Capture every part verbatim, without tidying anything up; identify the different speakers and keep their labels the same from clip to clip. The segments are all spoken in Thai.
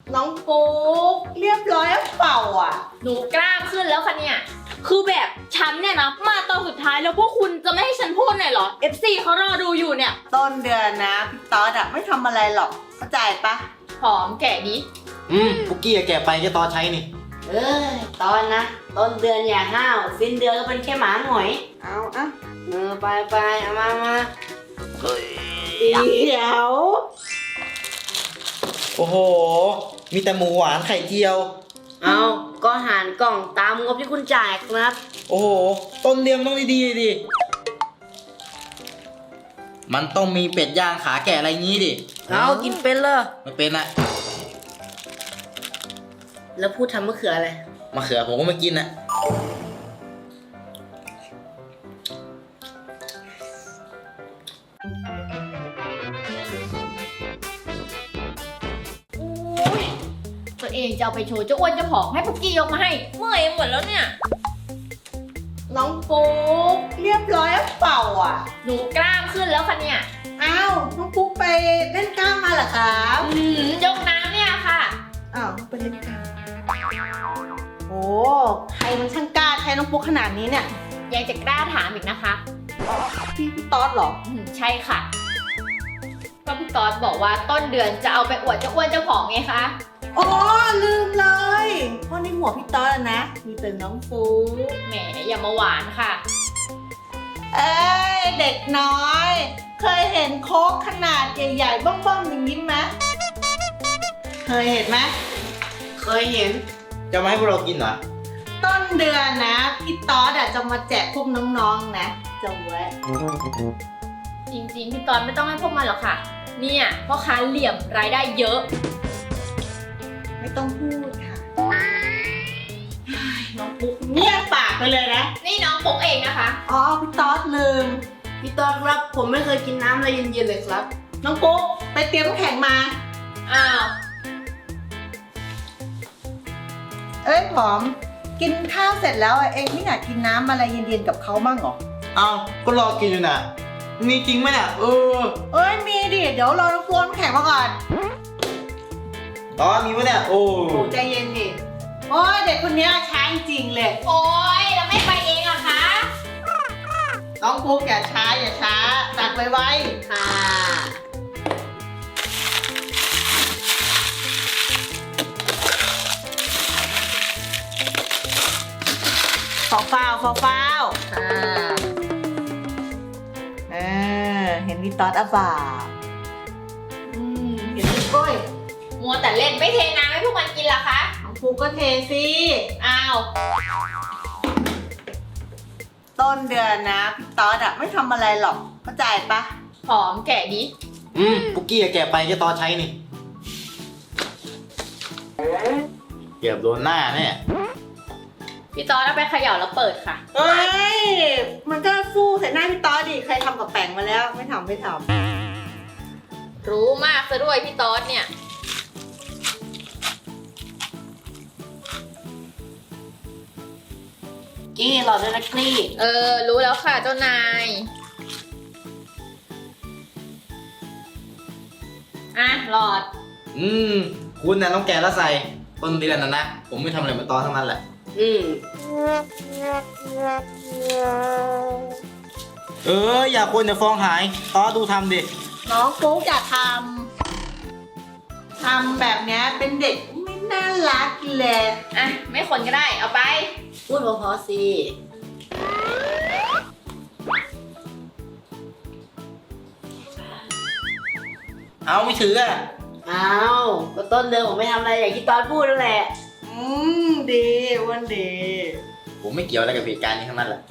Speaker 1: น้องปุ๊กเรียบร้อยแล้วเปล่าอ่ะ
Speaker 2: หนูกล้ามขึ้นแล้วค่ะเนี่ยคือแบบฉันเนี่ยนะมาตอนสุดท้ายแล้วพวกคุณจะไม่ให้ฉันพูดหน่อยเหรอ เอฟ ซี เขารอดูอยู่เนี่ย
Speaker 1: ต้นเดือนนะพี่ต๊อดอะไม่ทำอะไรหรอกเข้าใจปะ
Speaker 2: หอมแกะดิ
Speaker 3: อืมปุกกี้แกะไปแกตอใช้นี่
Speaker 4: เอ้ยตอนนะต้นเดือนอย่าห้าวสิ้นเดือนก็เป็นแค่หมาหงอย
Speaker 1: เอาอะ
Speaker 4: เออไปไปเอามามา
Speaker 1: เดี๋ยว
Speaker 3: โอ้โหมีแต่หมูหวานไข่เจียว
Speaker 4: เอาก็หารกล่องตามงบที่คุณจ่ายครับ
Speaker 3: โอ้โหต้นเรียมต้องดีๆดิมันต้องมีเป็ดย่างขาแกะอะไรงี้ดิ
Speaker 4: เอากินเป็นเลย
Speaker 3: ไม่เป็นอะ
Speaker 4: แล้วพูดทำมะเขืออะไร
Speaker 3: มะเขือผมก็ไม่กินอะ
Speaker 2: ตัวเองจะเอาไปโชว์เจ้าอ้วนเจ้าผอมให้พุกกี้ยกมาให้เมื่อยหมดแล้วเนี่ย
Speaker 1: น้องปุ๊กเรียบร้อยแล้วเปล่าอ่ะ
Speaker 2: หนูกล้ามขึ้นแล้วค่ะเนี่ย
Speaker 1: อ้าวน้องปุ๊กไปเล่นกล้ามมาเหรอครับ
Speaker 2: อืมยกน้ำเนี่ยค่ะ
Speaker 1: อ้าวไปเล่นกล้ามโอ้ใครมันช่างกล้าใช้น้องปุ๊กขนาดนี้เนี่ย
Speaker 2: ยังจะกล้าถามอีกนะคะ
Speaker 1: อ๋อพี่พี่ต๊อดเหรอ
Speaker 2: อืมใช่ค่ะก็พี่ต๊อดบอกว่าต้นเดือนจะเอาไปอวดเจ้าอ้วนเจ้าผอมไงคะ
Speaker 1: อ๋อลืมเลยเพราะในหัวพี่ต๊อดนะมีแต่น้องปุ๊ก
Speaker 2: แหมอย่ามาหวานค่ะ
Speaker 1: เอ้ยเด็กน้อยเคยเห็นโค้กขนาดใหญ่ๆบ้องๆอย่างนี้ไหมเคยเห็นไหม
Speaker 4: เคยเห็น
Speaker 3: จะมาให้พวกเรากินเหรอ
Speaker 1: ต้นเดือนนะพี่ต๊อดจะมาแจกพวกน้องๆนะจะแวะ
Speaker 2: จริงๆพี่ต๊อดไม่ต้องให้พวกมันหรอกค่ะเนี่ยพ่อค้าเหลี่ยมรายได้เยอะ
Speaker 1: ไม่ต้องพูดค่ะน้องปุ๊กเงียบปากไปเลยนะ
Speaker 2: นี่น้องปุ๊กเองนะคะ
Speaker 1: อ๋อพี่ต๊อดลืม
Speaker 4: พี่ต๊อดครับผมไม่เคยกินน้ำอะไรเย็นๆเลยครับ
Speaker 1: น้องปุ๊กไปเตรียมน้ำแข็งมา
Speaker 2: อ้าว
Speaker 1: เอ้ยผอมกินข้าวเสร็จแล้วเองไม่อยากกินน้ำอะไรเย็นๆกับเขาบ้างเหรอ
Speaker 3: อ้าวก็รอกินอยู่น่ะมีจริงไหมเนี่ยเออ
Speaker 1: เอ้ยมีดิเดี๋ยวรอน้ำปูน้ำแข็งมาก่อน
Speaker 3: อ๋อมีไหมเนี่ยโอ้
Speaker 1: ใจเย็นดิโอ้ยเด็กคนนี้ช้าจริงเลย
Speaker 2: โอ้ยแล้วไม่ไปเองอะคะ
Speaker 1: น้องปุ๊กอย่าช้าอย่าช้าตักไวๆ
Speaker 4: ค่ะ
Speaker 1: ฟาวฟาวฟาวฟาว
Speaker 4: ค่ะ
Speaker 1: เออเห็นมีต๊อดอ่ะบ่าอืมเห็นมีก้อย
Speaker 2: มัวแต่เล่นไม่เทน้ำให้พวกมันกินล่ะคะ
Speaker 1: น้องปุ๊กก็เทสิ
Speaker 2: อ้าว
Speaker 1: ต้นเดือนนะพี่ต๊อดอะไม่ทำอะไรหรอกเข้าใจปะ
Speaker 2: หอมแกะดิ
Speaker 3: อืมปุกกี้แกะไปแกตอใช้นี่เกือบโดนหน้าแน่
Speaker 2: พี่ต๊อดเอาไปเขย่าแล้วเปิดค่ะ
Speaker 1: เอ้ยมันก็ฟู่ใส่หน้าพี่ต๊อดดิใครทำกับแป้งมาแล้วไม่ทำไม่ท
Speaker 2: ำรู้มากซะด้วยพี่ต๊อดเนี่ย
Speaker 4: กี้หลอดด้วยนะกี้
Speaker 2: เออรู้แล้วค่ะเจ้านายอ่ะหลอด
Speaker 3: อืมคุณน่ะต้องแกะแล้วใส่ต้นเดือนน่ะนะผมไม่ทำอะไรเหมือนตอนทั้งนั้นแหละ
Speaker 4: อืม
Speaker 3: เอออย่าคนอย่าฟองหายต้อดูทำดิ
Speaker 1: น้องปุ๊กอย่าทำทำแบบนี้เป็นเด็กไม่น่ารักเลย
Speaker 2: อ่ะไม่คนก็ได้เอาไป
Speaker 4: พูดพอๆสิ
Speaker 3: เอาไม่ถืออ่ะ
Speaker 4: เอาก็ต้นเดือนผมไม่ทำอะไรอย่างที่ตอนพูดนั่นแหละ
Speaker 1: อืมดีวันดี
Speaker 3: ผมไม่เกี่ยวอะไรกับเหตุการณ์นี้ทั้งนั้นแหละ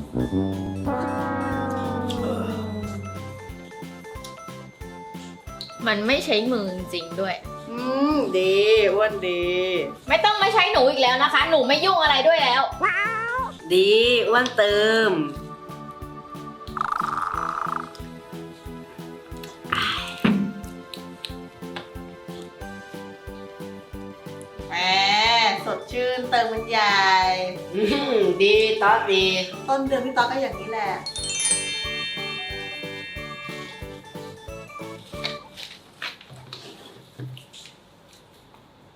Speaker 2: มันไม่ใช้มือจริงๆด้วย
Speaker 1: อืมดีวันดี
Speaker 2: ไม่ต้องมาใช้หนูอีกแล้วนะคะหนูไม่ยุ่งอะไรด้วยแล้ว
Speaker 4: ดีวันเติม
Speaker 1: แหมสดชื่นเติมมันใหญ่
Speaker 4: ดีต๊อดดี
Speaker 1: ต้นเดือนพี่ต๊อดก็อย่างนี้แหละ
Speaker 4: อ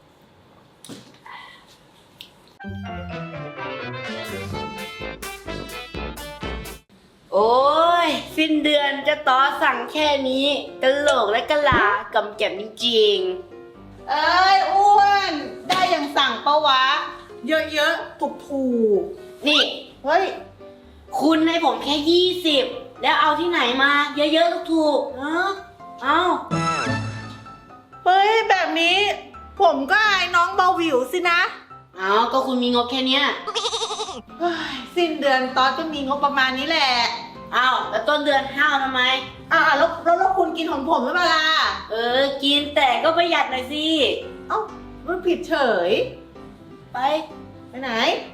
Speaker 4: โอ้ยสิ้นเดือนจะต่อสั่งแค่นี้กะโหลกและกะลากำแก่มจริง
Speaker 1: เอ้ยอ้วนได้อย่างสั่งปะวะ เยอะๆถูกถูก
Speaker 4: ๆนี่
Speaker 1: ๆเฮ้ย
Speaker 4: คุณให้ผมแค่ยี่สิบแล้วเอาที่ไหนมา เยอะๆถูกๆเออเอา
Speaker 1: เฮ้ยแบบนี้ผมก็อายน้องเบาหวิวสินะ
Speaker 4: เอาก็คุณมีงบแค่เนี้ย
Speaker 1: เฮ้ยสิ้นเดือนตอนก็มีงบประมาณนี้แหละ
Speaker 4: เอาแล้วต้นเดือนห้าวทำไม
Speaker 1: อ่าแล้วแล้วแล้วคุณกินของผมหรือเปล่าล่ะ
Speaker 4: เออ กินแต่ก็ประหยัดหน่อยสิ
Speaker 1: เอ้ามันผิดเฉย
Speaker 4: ไป
Speaker 1: ไปไหน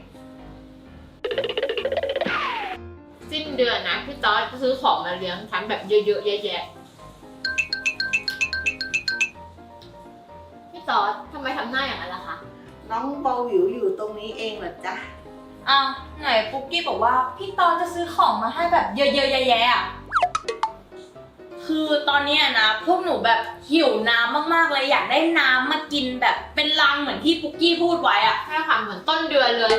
Speaker 2: สิ้นเดือนนะพี่ต๊อดจะซื้อของมาเลี้ยงฉันแบบเยอะๆแยะๆพี่ต๊อดทำไมทำหน้าอย่างนั้นล่ะคะ
Speaker 1: น้องเบาหวิวอยู่ตรงนี้เองเหรอจ๊ะ
Speaker 2: อ้าวไหนปุ๊กกี้บอกว่าพี่ต๊อดจะซื้อของมาให้แบบเยอะๆแยะๆอ่ะคือตอนเนี้ยนะพวกหนูแบบหิวน้ำมากๆเลยอยากได้น้ำมากินแบบเป็นลังเหมือนที่ปุ๊กกี้พูดไว้อ่ะใช่ค่ะเหมือนต้นเดือนเลย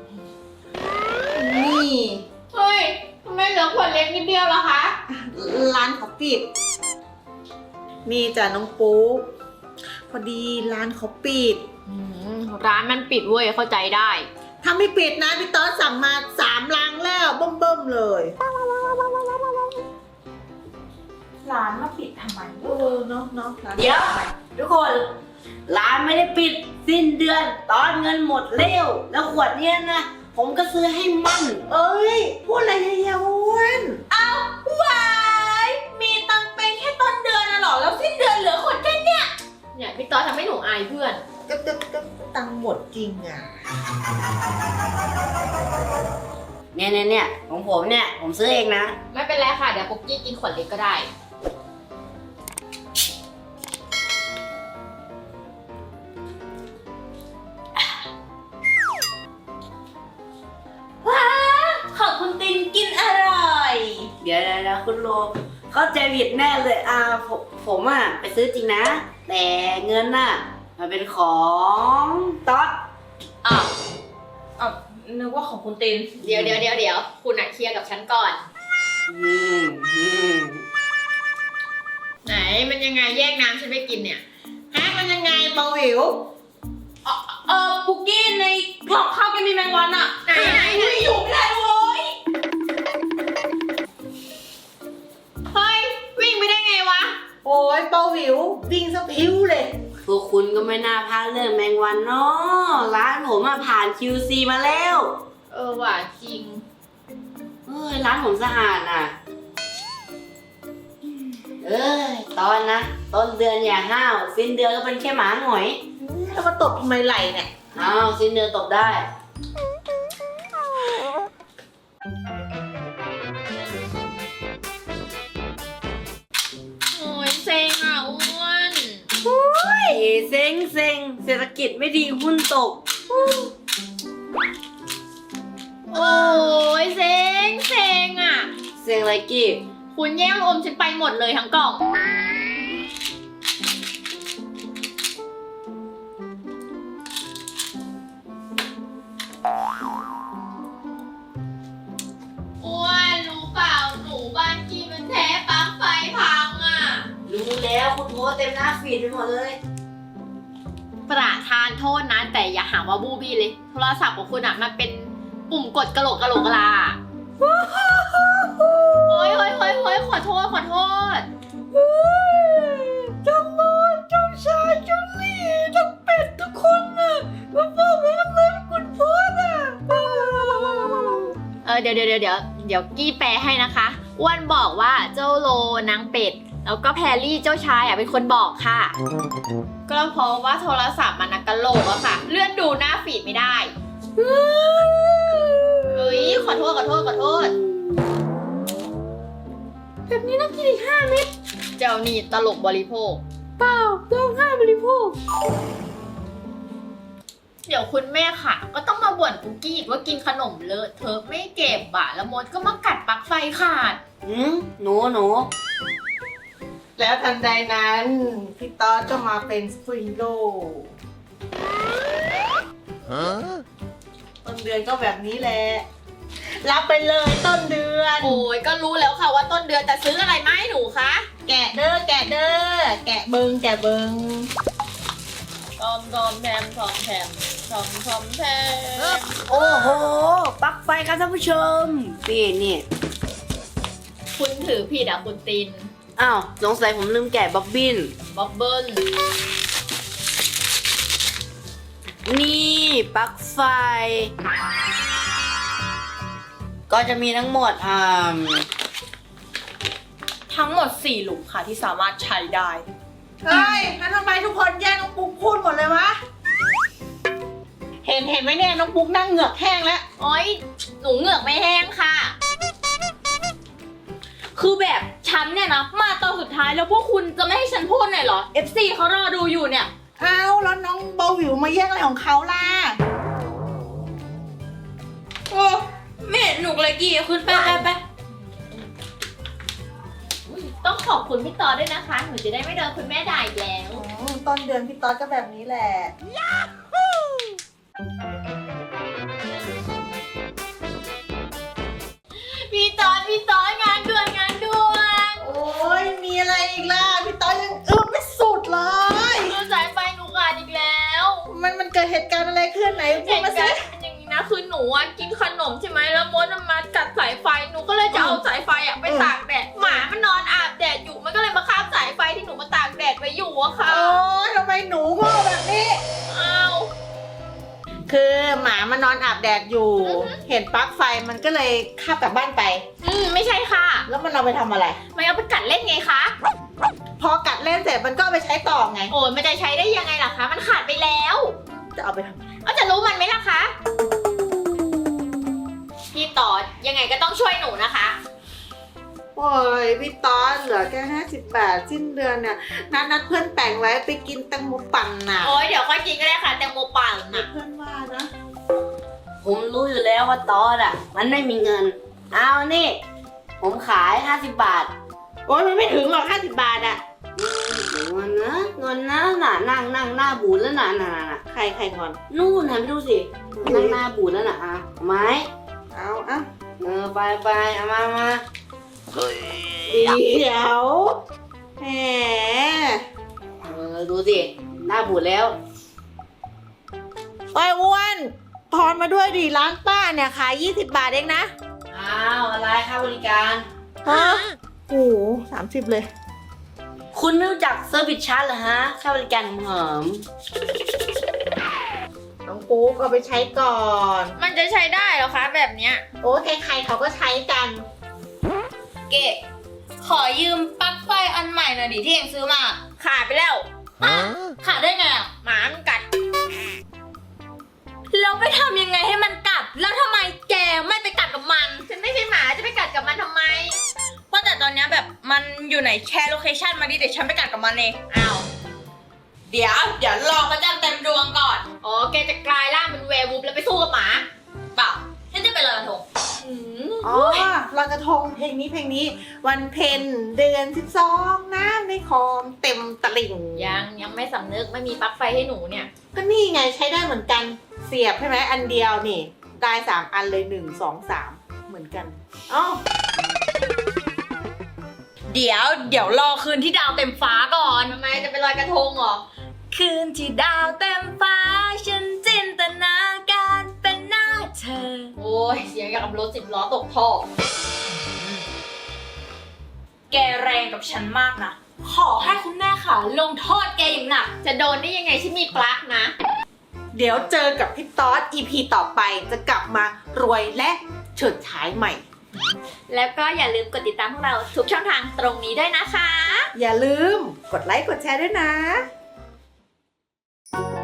Speaker 1: นี่
Speaker 2: เฮ้ยทำไมเหลือขวดเล็กนิดเดียวล่ะคะ
Speaker 1: ร้านเขาปิด นี่จ้ะน้องปุ๊กพอดีร้านเขาปิด
Speaker 2: อืมร้านมันปิดเว้ยเข้าใจได้
Speaker 1: ถ้าไม่ปิดนะพี่ต๊อดสั่งมาสามลังแล้วเบิ่มๆเลย
Speaker 2: ร้านมาปิดทำไม
Speaker 1: เออเนาะเนาะร้าน
Speaker 4: เดี๋ยว ทุกคน ร้านไม่ได้ปิดสิ้นเดือน ตอนเงินหมดเร็ว แล้วขวดเนี้ยนะ ผมก็ซื้อให้มัน
Speaker 1: เอ้ยพูดอะไรเยาอ้วน
Speaker 2: วายมีตังเป็นแค่ต้นเดือนน่ะหรอแล้วสิ้นเดือนเหลือขวดแค่เนี้ยเนี่ยพี่ต๊อดทำให้หนูอายเพื่อน
Speaker 1: ก็ก็ก็ตังค์หมดจริงอ่ะ
Speaker 4: เนี่ยเนี่ยเนี่ยของผมเนี่ย ผมซื้อเองนะ
Speaker 2: ไม่เป็นไรค่ะเดี๋ยวปุ๊กกี้กินขวดเล็กก็ได้ว้าขอบคุณตินกินอร่อย
Speaker 4: เดี๋ยวเดี๋ยวเดี๋ยวคุณโลเข้าใจผิดแน่เลยอ่าผมผมอ่ะไปซื้อจริงนะ แต่เงินน่ะมันเป็นของต๊อด
Speaker 2: อ้าวอ้าวนึกว่าของคุณตินเดี๋ยวเดี๋ยวเดี๋ยวเดี๋ยวคุณอ่ะเคลียร์กับฉันก่อน
Speaker 4: อืมอืม
Speaker 2: ไหนมันยังไงแยกน้ำฉันไม่กินเนี่ย
Speaker 1: ฮะมันยังไงเบาหวิว
Speaker 2: เออเออปุกกี้ในกล่องข้าวแกมีแมงวันอะไหนไหนไหนอยู่ไม่ได้เว้ยเฮ้ยวิ่งไปได้ไงวะ
Speaker 1: โอ้ยเบาหวิววิ่งสะพิ้วเลย
Speaker 4: พวกคุณก็ไม่น่าพลาดเรื่องแมงวันเนาะร้านผมอ่ะผ่าน คิว ซี มาแล้ว
Speaker 2: เออว่ะจริง
Speaker 4: เอ้ยร้านผมสะอาดน่ะ เอ้ยตอนนะ ต้นเดือนอย่าห้าวสิ้นเดือนก็เป็นแค่หมาหงอย
Speaker 1: แล้วมาตบทำไมไหลเนี่ย
Speaker 4: อ้าวสิ้นเดือนตบได้
Speaker 2: โอ้ยเซ็งอ่ะอ้วน
Speaker 4: เฮ้ยเซ็งเซ็งเศรษฐกิจไม่ดีหุ้นตก
Speaker 2: โอ้ยเซ็งเซ็งอ่ะ
Speaker 4: เซ็งอะไรกี้
Speaker 2: คุณแย่งอมฉันไปหมดเลยทั้งกล่องอ้วนรู้เปล่าหนูบ้านกี้มันแท้ปลั๊กไฟพังอ่ะ
Speaker 4: รู้แล้วคุณโพสต์เต็มหน้าฟีดไปหมดเลย
Speaker 2: ประทานโทษนะแต่อย่าหาว่าบูบี้เลย โทรศัพท์ของคุณอ่ะมันเป็นปุ่มกดกระโหลกกระโหลกกะลาโอ้ยโอ้ยโอ้ยโอ้ยขอโทษขอโทษ
Speaker 1: เจ้าโลดเจ้าชายเจ้าหลีทั้งเป็ดทุกคนน่ะมาบอกว่ามันเลยคุณโพสอ่ะ
Speaker 2: เออเดี๋ยวเดี๋ยวเดี๋ยวเดี๋ยวเดี๋ยวกี้แปลให้นะคะอ้วนบอกว่าเจ้าโลนางเป็ดแล้วก็แพรรี่เจ้าชายอ่ะเป็นคนบอกค่ะ ก็เพราะว่าโทรศัพท์มันนะกระโหลกอะค่ะ เลื่อนดูหน้าฟีดไม่ได้เฮ้ยขอโทษขอโทษขอโทษแบบนี้น่ากินอีกห้าเม็ดเจ้านี่ตลกบริโภคเปล่าเจ้าห้าบริโภคเดี๋ยวคุณแม่ค่ะ ก็ต้องมาบ่นปุกกี้อีกว่ากินขนมเลอะเทอะไม่เก็บอะแล้วมดก็มากัดปลั๊กไฟขาด
Speaker 4: หืมหนูหนู
Speaker 1: แล้วทันใดนั้น พี่ต๊อดก็มาเป็นสปริงโลดือนก็แบบนี้แหละ รับไปเลยต้นเดือน
Speaker 2: โอ้ยก็รู้แล้วค่ะว่าต้นเดือนจะซื้ออะไรมาให้หนูคะ
Speaker 1: แกะเด้อแกะเด้อแกะเบิงแกะเบิง
Speaker 2: ทอมทอมแทมทอมแทมทอมทอมแทม
Speaker 4: โอ้โหปลั๊กไฟครับท่านผู้ชมนี่นี่
Speaker 2: คุณถือผิดอ่ะคุณติน
Speaker 4: อ้าวสงสัยผมลืมแกะบ๊อบบิน
Speaker 2: บ๊อบเบิ้ล
Speaker 4: นี่ปลั๊กไฟ ก็จะมีทั้งหมดอ่า
Speaker 2: ทั้งหมดสี่หลุมค่ะที่สามารถใช้ได้
Speaker 1: เฮ้ยแล้วทำไมทุกคนแย่งน้องปุ๊กพูดหมดเลยวะ เห็นเห็นไหมเนี่ยน้องปุ๊กนั่งเหงือกแห้งแล้ว
Speaker 2: โอ้ยหนูเหงือกไม่แห้งค่ะ คือแบบฉันเนี่ยนะมาตอนสุดท้ายแล้วพวกคุณจะไม่ให้ฉันพูดหน่อยเหรอ เอฟ ซี เขารอดูอยู่เนี่ย
Speaker 1: เอาแล้วน้องเบาหวิวมาแย่งอะไรของเขาล่ะ
Speaker 2: โอ้ไม่เห็นหนุกเลยกี่ขึ้นไปไปไปต้องขอบคุณพี่ต่อด้วยนะคะ หนูจะได้ไม่โดนคุณแม่ด่าอีกแล้ว
Speaker 1: อืมต้นเดือนพี่ต๊อดก็แบบนี้แหละ
Speaker 2: พี่ต่อพี่ต่องานด่วนงานด่วน
Speaker 1: โอ้ยมีอะไรอีกล่ะพี่ต๊อดยังอึ้งไม่สุดเลย
Speaker 2: เอาสายไฟหนูขาดอีกแล้ว
Speaker 1: มันมันเกิดเหตุการณ์อะไรขึ้นไหนพู
Speaker 2: เห
Speaker 1: ด
Speaker 2: ตุ
Speaker 1: มา
Speaker 2: การ
Speaker 1: สิ
Speaker 2: ณ์เป็นอย่างนี้นะคือหนูอะกินขนมใช่ไหมแล้วมดมันมากัดสายไฟหนูก็เลยจะเอาสายไฟอะไปตากแดดหมามันนอนอาบแดดอยู่มันก็เลยมาคาบสายไฟที่หนูมาตากแดดไว้อยู่อะค่ะ
Speaker 1: โอ้ยทำไมหนูโง่แบบนี้
Speaker 2: อ้าว
Speaker 1: คือหมามันนอนอาบแดดอยู่ เห็นปลั๊กไฟมันก็เลยคาบกลับบ้านไป
Speaker 2: อืมไม่ใช่ค่ะ
Speaker 1: แล้วมันเอาไปทำอะไร
Speaker 2: มันเอาไปกัดเล่นไงคะ
Speaker 1: พอกัดเล่นเสร็จมันก็เอาไปใช้ต่อไง
Speaker 2: โอ้ยมันจะใช้ได้ยังไงล่ะคะ มันขาดไปแล้ว
Speaker 1: จะเอาไปทำอะไร
Speaker 2: เอาจะรู้มันไหมล่ะคะพี่ต่อยังไงก็ต้องช่วยหนูนะคะ
Speaker 1: โอ้ยพี่ต๊อดเหลือแค่ห้าสิบบาทสิ้นเดือนเนี่ยนัดนัดเพื่อนแต่งไว้ไปกินแตงโมปั่นน่ะ
Speaker 2: โอ้ยเดี๋ยวค่อยกินก็ได้ค่ะแตงโมปั่นนะ
Speaker 1: เพื่อนว่านะ
Speaker 4: ผมรู้อยู่แล้วว่าตอดอ่ะ มันไม่มีเงิน เอานี่ ผมขายห้าสิบบาท
Speaker 1: โอ้ยมันไม่ถึงหรอกห้าสิบบาทอะ
Speaker 4: อืมเงินนะเงินนะน่ะนั่งนั่งหน้าบูดแล้วน่ะน่ะน่ะน่ะ
Speaker 1: ใครใครงอน
Speaker 4: นู่นหันไปดูสินั่งหน้าบูดแล้วน่ะอ่ะเอาไหม
Speaker 1: เอาเอา
Speaker 4: เออไปไปเอามามา
Speaker 1: เดี๋ยวแหม
Speaker 4: เออดูสิหน้าบูดแล้ว
Speaker 1: โอ้ยอ้วนทอนมาด้วยดิร้านป้าเนี่ยขายยี่สิบบาทเองนะ
Speaker 4: อ้าวอะไรค่าบริการ
Speaker 1: ฮะโอ้โหสามสิบเลย
Speaker 4: คุณไม่รู้จักเซอร์วิสชาร์จเหรอฮะค่าบริการหอม
Speaker 1: น้องปุ๊กเอาไปใช้ก่อน
Speaker 2: มันจะใช้ได้เหรอคะแบบเนี้ย
Speaker 1: โอ้ใครๆเขาก็ใช้กัน
Speaker 2: เกะขอยืมปลั๊กไฟอันใหม่หน่อยดิที่เองซื้อมา ขาดไปแล้วอ่ะขาดได้ไงอ่ะหมามันกัด แล้วไปทำยังไงให้มันกัด แล้วทำไมแกไม่ไปกัดกับมัน ฉันไม่ใช่หมาจะไปกัดกับมันทำไมว่าแต่ตอนเนี้ยแบบมันอยู่ไหนแชร์โลเคชันมาดิเดี๋ยวฉันไปกัดกับมันเองอ้าวเดี๋ยวเดี๋ยวรอพระจันทร์เต็มดวงก่อนอ๋อแกจะกลายร่างเป็นแวร์วูฟแล้วไปสู้กับหมาเปล่าฉันจะไปลอยกระทงอืม
Speaker 1: อ๋อลอยกระทงเพลงนี้เพลงนี้ วันเพ็ญเดือนสิบสองน้ำในคลองเต็มตลิ่ง
Speaker 2: ยังยังไม่สำนึกไม่มีปลั๊กไฟให้หนูเนี่ย
Speaker 1: ก็นี่ไงใช้ได้เหมือนกันเสียบใช่ไหมอันเดียวนี่ ได้สามอันเลยหนึ่งสองสามเหมือนกันอ๋อ
Speaker 2: เดี๋ยวเดี๋ยวรอคืนที่ดาวเต็มฟ้าก่อนทำไมจะไปลอยกระทงเหรอ คืนที่ดาวเต็มฟ้าฉันจินตนาการเป็นหน้าเธอ โอ้ยเสียงอย่างกับรถสิบล้อตกท่อ แกแรงกับฉันมากนะ ขอให้คุณแม่ค่ะลงโทษแกอย่างหนัก จะโดนได้ยังไงฉันมีปลั๊กนะ
Speaker 1: เดี๋ยวเจอกับพี่ต๊อด อี พี ต่อไปจะกลับมารวยและเฉิดฉายใหม่
Speaker 2: แล้วก็อย่าลืมกดติดตามพวกเราทุกช่องทางตรงนี้ด้วยนะคะ
Speaker 1: อย่าลืมกดไลค์กดแชร์ด้วยนะ
Speaker 5: Thank